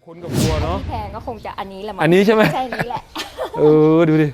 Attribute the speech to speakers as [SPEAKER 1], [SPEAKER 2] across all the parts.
[SPEAKER 1] คนกับวัวเนาะ
[SPEAKER 2] ที่แพงก็คงจะอันนี้แหละมั้ง
[SPEAKER 1] อันนี้ใช่ไหม
[SPEAKER 2] ใช่นี้แหละ
[SPEAKER 1] ดูดิ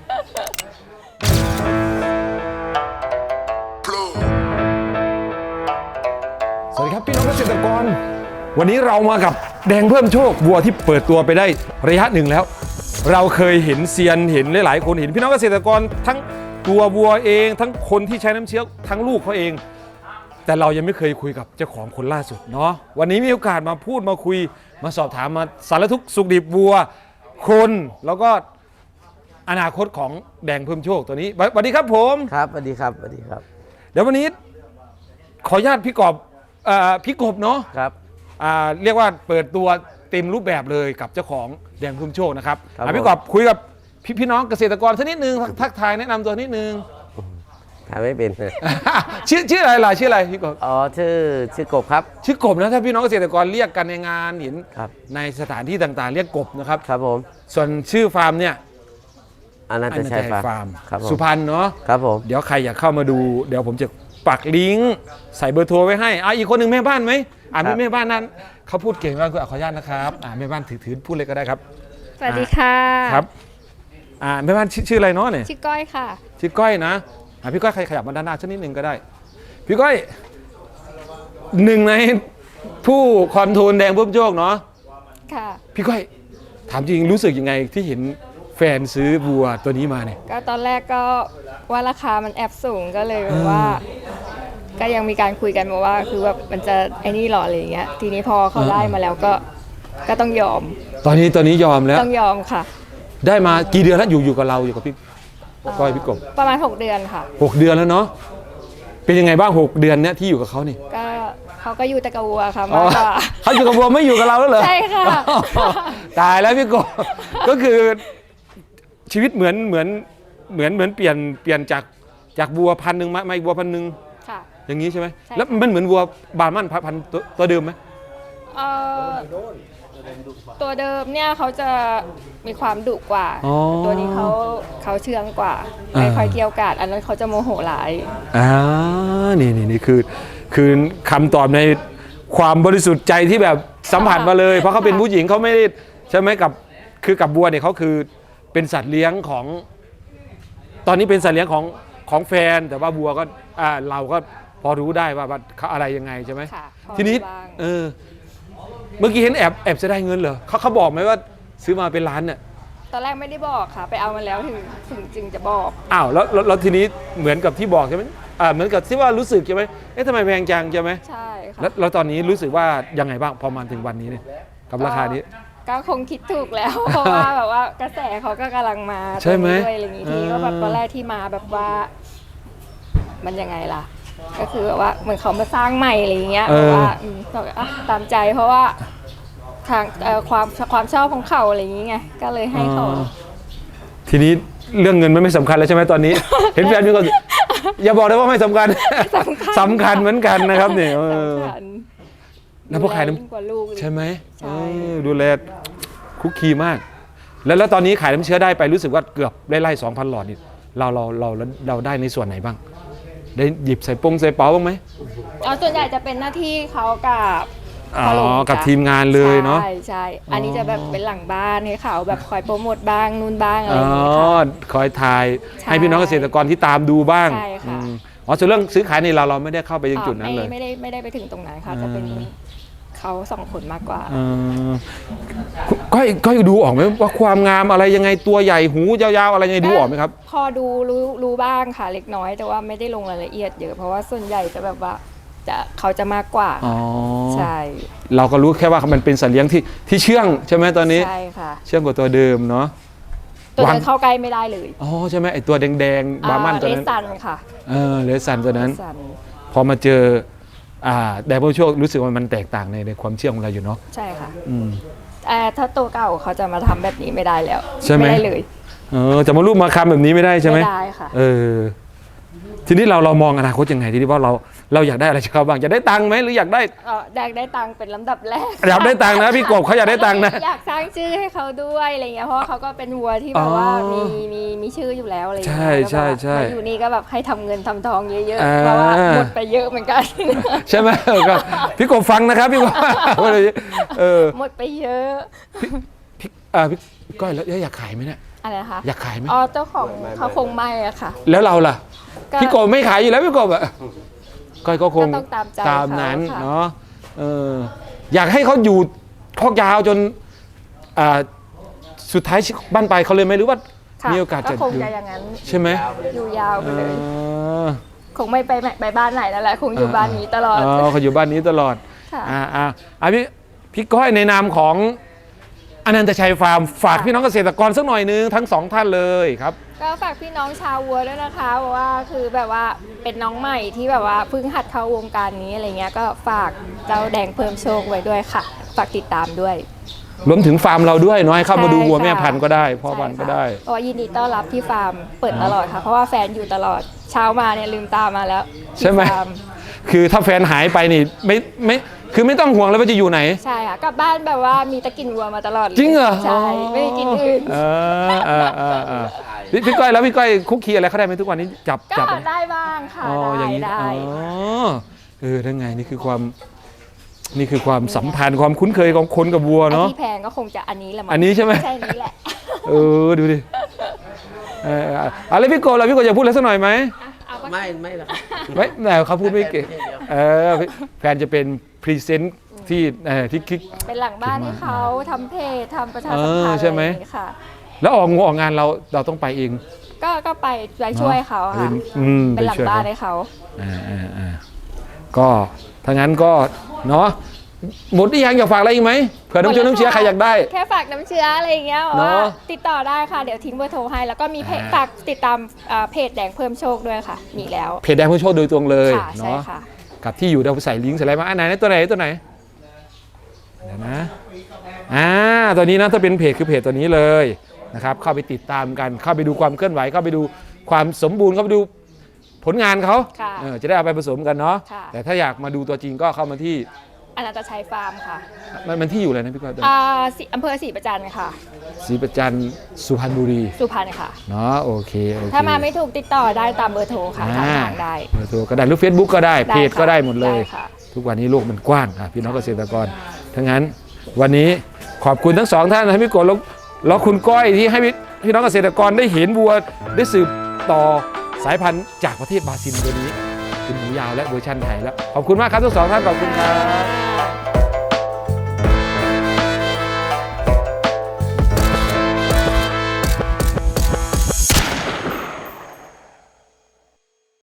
[SPEAKER 1] สวัสดีครับพี่น้องเกษตรกรวันนี้เรามากับแดงเพิ่มโชควัวที่เปิดตัวไปได้ระยะหนึ่งแล้วเราเคยเห็นเซียนเห็นหลายๆคนเห็นพี่น้องเกษตรกรทั้งตัววัวเองทั้งคนที่ใช้น้ำเชื้อทั้งลูกเขาเองแต่เรายังไม่เคยคุยกับเจ้าของคนล่าสุดเนาะวันนี้มีโอกาสมาพูดมาคุยมาสอบถามมาสารทุกข์สุขดิบวัวคนแล้วก็อนาคตของแดงเพิ่มโชคตัวนี้สวัสดีครับผม
[SPEAKER 3] ครับสวัสดีครับสวัสดีครับ
[SPEAKER 1] เดี๋ยววันนี้ขออนุญาตพี่กบเนาะ
[SPEAKER 3] ครับ
[SPEAKER 1] เรียกว่าเปิดตัวเต็มรูปแบบเลยกับเจ้าของแดงเพิ่มโชคนะครับพี่กบคุยกับพี่น้องเกษตรกรสักนิดนึงทักทายแนะนำตัวนิดนึง
[SPEAKER 3] ทำไม่เป็น
[SPEAKER 1] ชื่ออะไรล่ะชื่ออะไรพี่กบ
[SPEAKER 3] อ๋อชื่อกบครับ
[SPEAKER 1] ชื่อกบนะถ้าพี่น้องเกษตรกรเรียกกันในงานเห็น
[SPEAKER 3] ครับ
[SPEAKER 1] ในสถานที่ต่างๆเรียกกบนะครับ
[SPEAKER 3] ครับผม
[SPEAKER 1] ส่วนชื่อฟาร์มเนี่ย
[SPEAKER 3] อนันตชัยฟาร์มครับ
[SPEAKER 1] สุพรรณเนาะ
[SPEAKER 3] ครับผม
[SPEAKER 1] เดี๋ยวใครอยากเข้ามาดูเดี๋ยวผมจะปักลิงก์ใส่เบอร์โทรไว้ให้อีกคนหนึ่งแม่บ้านไหมแม่บ้านนั้นเขาพูดเก่งมากขออนุญาตนะครับแม่บ้านถือพูดเลยก็ได้ครับ
[SPEAKER 2] สวัสดีค่ะ
[SPEAKER 1] ครับแม่บ้านชื่ออะไรเนาะเนี่ย
[SPEAKER 2] ชื่อก้อยค่ะ
[SPEAKER 1] ชื่อก้อยนะพี่ก้อยใครขยับมาด้านหน้าสักนิดนึงก็ได้พี่ก้อยหนึ่งในผู้คอนโทรลแดงเพิ่มโชคเนาะ
[SPEAKER 2] ค่ะ
[SPEAKER 1] พี่ก้อยถามจริงรู้สึกยังไงที่เห็นแฟนซื้อวัวตัวนี้มาเนี่ย
[SPEAKER 2] ก็ตอนแรกก็ว่าราคามันแอบสูงก็เลยว่าก็ยังมีการคุยกันมาว่าคือว่ามันจะไอ้นี่หรออะไรอย่างเงี้ยทีนี้พอเขาได้มาแล้วก็ต้องยอม
[SPEAKER 1] ตอนนี้ยอมแล้ว
[SPEAKER 2] ต้องยอมค่ะ
[SPEAKER 1] ได้มากี่เดือนแล้วอยู่กับเราอยู่กับพี่ก้อยพี่กบ
[SPEAKER 2] ประมาณ6 เดือนค่ะ
[SPEAKER 1] 6 เดือนแล้วเนาะเป็นยังไงบ้าง6 เดือนเนี้ยที่อยู่กับเขานี่
[SPEAKER 2] ก็เขาก็อยู่แต่กับวัวค่ะมากกว่า
[SPEAKER 1] เขาอยู่กับวัวไม่อยู่กับเราแล้วเหรอ
[SPEAKER 2] ใช่ค่ะ
[SPEAKER 1] ตายแล้วพี่กบก็คือชีวิตเหมือนเปลี่ยนจากวัว1,000มาอีกวัว1,000
[SPEAKER 2] ค่ะ
[SPEAKER 1] อย่างนี้ใช่ไหมแล้วมันเหมือนวัวบาร์มันพันตัวเดิมไหม
[SPEAKER 2] ตัวเดิมเนี่ยเขาจะมีความดุกว่าตัวนี้เขาเชื่องกว่าไม่ค่อยเกี่ยวกาดอันนั้นเขาจะโมโหหลาย
[SPEAKER 1] นี่คือคำตอบในความบริสุทธิ์ใจที่แบบสัมผัสมาเลยเพราะเขาเป็นผู้หญิงเขาไม่ได้ใช่ไหมกับวัวเนี่ยเขาคือเป็นสัตว์เลี้ยงของตอนนี้เป็นสัตว์เลี้ยงของแฟนแต่ว่าวัวก็เราก็พอรู้ได้ว่าเขาอะไรยังไงใช่ไหมทีนี้เมื่อกี้เห็นแอบจะได้เงินเหรอเขาบอกไหมว่าซื้อมาเป็นล้านเนี่ย
[SPEAKER 2] ตอนแรกไม่ได้บอกค่ะไปเอามาแล้วถึงจึงจะบอก
[SPEAKER 1] แล้วทีนี้เหมือนกับที่บอกใช่ไหมเหมือนกับที่ว่ารู้สึกใช่ไหมทำไมแพงจังใช่ไหม
[SPEAKER 2] ใช่ค่ะ
[SPEAKER 1] แล้วตอนนี้รู้สึกว่ายังไงบ้างพอมาถึงวันนี้เนี่ยกับราคานี้
[SPEAKER 2] ก็คงคิดถูกแล้วเพราะว่าแบบว่ากระแสเขาก็กำลังมา
[SPEAKER 1] ใช่ไหม
[SPEAKER 2] ด้วยอะไรอย่างนี้ทีก็แบบตอนแรกที่มาแบบว่ามันยังไงล่ะก็คือแบบว่าเหมือนเขามาสร้างใหม่อะไรอย่างเงี้ยว่าตามใจเพราะว่าทางความชอบของเขาอะไรอย่างเงี้ยก็เลยให้เขา
[SPEAKER 1] ทีนี้เรื่องเงินมันไม่สำคัญแล้วใช่ไหมตอนนี้ เห็นแฟนมีคนอย่าบอกได้ว่าไม่สำคัญสำคัญเหมือนกันนะครับเนี่ยแล้วพวกขายน้ำใช่ไหมดูแลคุกคีมากแล้วตอนนี้ขายน้ำเชื้อได้ไปรู้สึกว่าเกือบไล่ 2,000 หลอดนี่เราได้ในส่วนไหนบ้างได้หยิบใส่เป๋าบ้างไหม
[SPEAKER 2] ส่วนใหญ่จะเป็นหน้าที่เขา
[SPEAKER 1] กับทีมงานเลยเนาะ
[SPEAKER 2] ใช่อันนี้จะแบบเป็นหลังบ้านให้เขาแบบคอยโปรโมทบ้างนู่นบ้างอะไรอย่างเงี้ย
[SPEAKER 1] คอยถ่ายให้พี่น้องเกษตรกรที่ตามดูบ้าง
[SPEAKER 2] ใช่ค่ะ
[SPEAKER 1] ส่วนเรื่องซื้อขายนี่เราไม่ได้เข้าไปยังจุดนั้นเลย
[SPEAKER 2] ไม่ได้ไปถึงตรงนั้นค่ะจะเป็นเขา2 คนมากกว่า
[SPEAKER 1] ก็ดูออกไหมว่าความงามอะไรยังไงตัวใหญ่หูยาวๆอะไรยังไงดูออกไหมครับ
[SPEAKER 2] พอดูรู้บ้างค่ะเล็กน้อยแต่ว่าไม่ได้ลงรายละเอียดเยอะเพราะว่าส่วนใหญ่จะแบบว่าเขาจะมากกว่าใช่
[SPEAKER 1] เราก็รู้แค่ว่ามันเป็นสัตว์เลี้ยงที่เชื่องใช่ไหมตอนนี้
[SPEAKER 2] ใช่ค่ะ
[SPEAKER 1] เชื่องกว่าตัวเดิมเนาะ
[SPEAKER 2] ตัวเดิมเข้าใกล้ไม่ได้เลย
[SPEAKER 1] ใช่ไหมไอตัวแดงๆบาร์มันตัวนั้น
[SPEAKER 2] เลสันค่ะ
[SPEAKER 1] เลสันตัวนั้นพอมาเจอแดงเพิ่มโชครู้สึกว่ามันแตกต่างในความเชื่องของเราอยู่เนาะ
[SPEAKER 2] ใช่ค่ะถ้าตัวเก่าเขาจะมาทำแบบนี้ไม่ได้แล้ว
[SPEAKER 1] ใช่ไหม
[SPEAKER 2] ไม่ได้เลย
[SPEAKER 1] จะมารูปมาคำแบบนี้ไม่ได้ใช่ไหม
[SPEAKER 2] ไม่ได้ค่ะ
[SPEAKER 1] ทีนี้เรามองอนาคตยังไงทีนี้ว่าเราอยากได้อะไรจากเขาบ้างอยากได้ตังค์ไหมหรืออยากได้
[SPEAKER 2] อยากได้ตังค์เป็นลำดับแรก
[SPEAKER 1] อยากได้ตังค์นะพี่กบเขาอยากได้ตังค์นะ
[SPEAKER 2] อยากสร้างชื่อให้เขาด้วยอะไรเงี้ยเพราะว่าเขาก็เป็นวัวที่แบบว่ามีชื่ออยู่แล้วอะไรเงี้ย
[SPEAKER 1] ใช่
[SPEAKER 2] มาอยู่นี่ก็แบบให้ทำเงินทำทองเยอะ
[SPEAKER 1] อ่า
[SPEAKER 2] ๆเพราะว่าหมดไปเยอะเหมือนกัน
[SPEAKER 1] ใช่ไหมก็พี่กบฟังนะครับพี่กบ
[SPEAKER 2] หมดไปเยอะ
[SPEAKER 1] พี่ก้อยแล้วอยากขายไหมเนี่ย
[SPEAKER 2] อะไรนะคะ
[SPEAKER 1] อยากขายไหม
[SPEAKER 2] เจ้าของเขาคงไม่อะค่ะ
[SPEAKER 1] แล้วเราล่ะ
[SPEAKER 2] ก็
[SPEAKER 1] พี่กบไม่ขายอยู่แล้วพี่กบอะก้อยก็คง
[SPEAKER 2] ก็ต้องตามใจ
[SPEAKER 1] ตามนั้น
[SPEAKER 2] เขาค่ะ
[SPEAKER 1] เนาะอยากให้เขาอยู่คอกยาวจนสุดท้ายบ้านปลายเขาเลยไหมหรือว่า
[SPEAKER 2] ค่ะ
[SPEAKER 1] มีโอกาส
[SPEAKER 2] ก็
[SPEAKER 1] จะ
[SPEAKER 2] คง
[SPEAKER 1] อยู่
[SPEAKER 2] จะอย่างนั้น
[SPEAKER 1] ใช่ไหม
[SPEAKER 2] อยู่ยาวไปเลย
[SPEAKER 1] เออ
[SPEAKER 2] คงไม่ไปบ้านไหนแล้วแหละคงอยู่บ้านนี้ตลอด
[SPEAKER 1] เขาอยู่บ้านนี้ตลอด
[SPEAKER 2] ค่ะ
[SPEAKER 1] พี่ก้อยในนามของอนันตชัยฟาร์มฝากพี่น้องเกษตรกรสักหน่อยนึงทั้งสองท่านเลยครับ
[SPEAKER 2] ก็ฝากพี่น้องชาววัวด้วยนะคะเพราะว่าคือแบบว่าเป็นน้องใหม่ที่แบบว่าเพิ่งหัดเข้าวงการนี้อะไรเงี้ยก็ฝากเจ้าแดงเพิ่มโชคไว้ด้วยค่ะ ฝากติดตามด้วย
[SPEAKER 1] รวมถึงฟาร์มเราด้วยเนาะให้เข้ามาดูวัว
[SPEAKER 2] ใช่ค่ะ
[SPEAKER 1] แม่พันธุ์ก็ได้พ่อพันธุ์ก็ได้
[SPEAKER 2] เพราะว่ายินดีต้อนรับที่ฟาร์มเปิดตลอดค่ะ เพราะว่าแฟนอยู่ตลอดเช้ามาเนี่ยลืมตามาแล้วที่
[SPEAKER 1] ใช่ไหม
[SPEAKER 2] ฟาร์
[SPEAKER 1] คือถ้าแฟนหายไปนี่ไม่คือไม่ต้องห่วงแล้วว่าจะอยู่ไหน
[SPEAKER 2] ใช่ค่ะกลับบ้านแบบว่ามีตะกินวัวมาตลอดลย
[SPEAKER 1] จริงเหรอ
[SPEAKER 2] ใช่ไม่ได้กินอื่น
[SPEAKER 1] พี่ก้อยแล้วพี่ก้อยคุกคีอะไรเขาได้ไหมทุกวันนี้จับ
[SPEAKER 2] ก็
[SPEAKER 1] อะไร
[SPEAKER 2] ได้บ้างค่ะ
[SPEAKER 1] อย่างนี้
[SPEAKER 2] ได้
[SPEAKER 1] ทั้งไงนี่คือความสัมพันธ์ความคุ้นเคยของคนกับวัว
[SPEAKER 2] ไอ้
[SPEAKER 1] เนาะ
[SPEAKER 2] ที่แพงก็คงจะอันนี้แหละมั้ง
[SPEAKER 1] อันนี้ใช่ไหม
[SPEAKER 2] ใช่นี้แหละ
[SPEAKER 1] ดูดิอะไรพี่โกแล้วพี่โกอยากพูดอะไรสักหน่อยไหม
[SPEAKER 2] เอาก็
[SPEAKER 3] ไม่หรอก
[SPEAKER 1] ไม่แต่เขาพูดไม่เก่งแฟนจะเป็นพรีเซนต์ที่คิด
[SPEAKER 2] เป็นหลังบ้านให้เขาทำเพจทำประชาสัมพัน
[SPEAKER 1] เออ
[SPEAKER 2] ธ์
[SPEAKER 1] ใช่ไหม
[SPEAKER 2] อะไรอย่างงี้ค่ะ
[SPEAKER 1] แล้วออกงานเราต้องไปเอง
[SPEAKER 2] ก็ไปช่วยเขาค่ะ เป็นหลังบ้านให้เขา
[SPEAKER 1] ก็ถ้างั้นก็เนาะหมดที่ยังอยากฝากอะไรอีกไหมเผื่อน้ำเชื้อใครอยากได้
[SPEAKER 2] แค่ฝากน้ำเชื้ออะไรอย่างเงี้ย
[SPEAKER 1] เน
[SPEAKER 2] ว่า
[SPEAKER 1] อะ
[SPEAKER 2] ติดต่อได้ค่ะเดี๋ยวทิ้งเบอร์โทรให้แล้วก็มีเพจฝากติดตามเพจแดงเพิ่มโชคด้วยค่ะมีแล้ว
[SPEAKER 1] เพจแดงเพื่อโชคโดยตรงเลย
[SPEAKER 2] ค่ะใช่
[SPEAKER 1] เนาะ
[SPEAKER 2] ค่ะ
[SPEAKER 1] กับที่อยู่เราใส่ลิงก์ใส่อะไรมาไหนตัวไหนเดี๋ยวนะตัวนี้นะถ้าเป็นเพจคือเพจตัวนี้เลยนะครับเข้าไปติดตามกันเข้าไปดูความเคลื่อนไหวเข้าไปดูความสมบูรณ์เข้าไปดูผลงานเขา
[SPEAKER 2] ค่ะ
[SPEAKER 1] จะได้เอาไปผสมกันเนาะ
[SPEAKER 2] ค่ะ
[SPEAKER 1] แต่ถ้าอยากมาดูตัวจริงก็เข้ามาที่
[SPEAKER 2] อนันตชัยฟาร์มค่ะ
[SPEAKER 1] มันที่อยู่อะไรนะพี่ก้อย
[SPEAKER 2] อำเภอศรีประจันค่ะ
[SPEAKER 1] ศรีประจันสุพรรณบุรี
[SPEAKER 2] สุพรรณค่ะ
[SPEAKER 1] เนาะโอเค
[SPEAKER 2] ถ้ามาไม่ถูกติดต่อได้ตามเบอร์โทรค่ะทางทางได้
[SPEAKER 1] เบอร์โทรก็ได้หรือ Facebook ก็ได้
[SPEAKER 2] ได้
[SPEAKER 1] เพจก็
[SPEAKER 2] ค่ะ
[SPEAKER 1] ได้หมดเลย
[SPEAKER 2] ได้ค่ะ
[SPEAKER 1] ทุกวันนี้โลกมันกว้างพี่น้องเกษตรกรทั้งนั้นวันนี้ขอบคุณทั้งสองท่านนะพี่กดแล้วคุณก้อยที่ให้พี่น้องเกษตรกรได้เห็นวัวได้สืบต่อสายพันธุ์จากประเทศบราซิลตัวนี้เป็นหมูยาวและเวอร์ชันไทยแล้วขอบคุณมากครับทั้งสองท่านขอบคุณครับ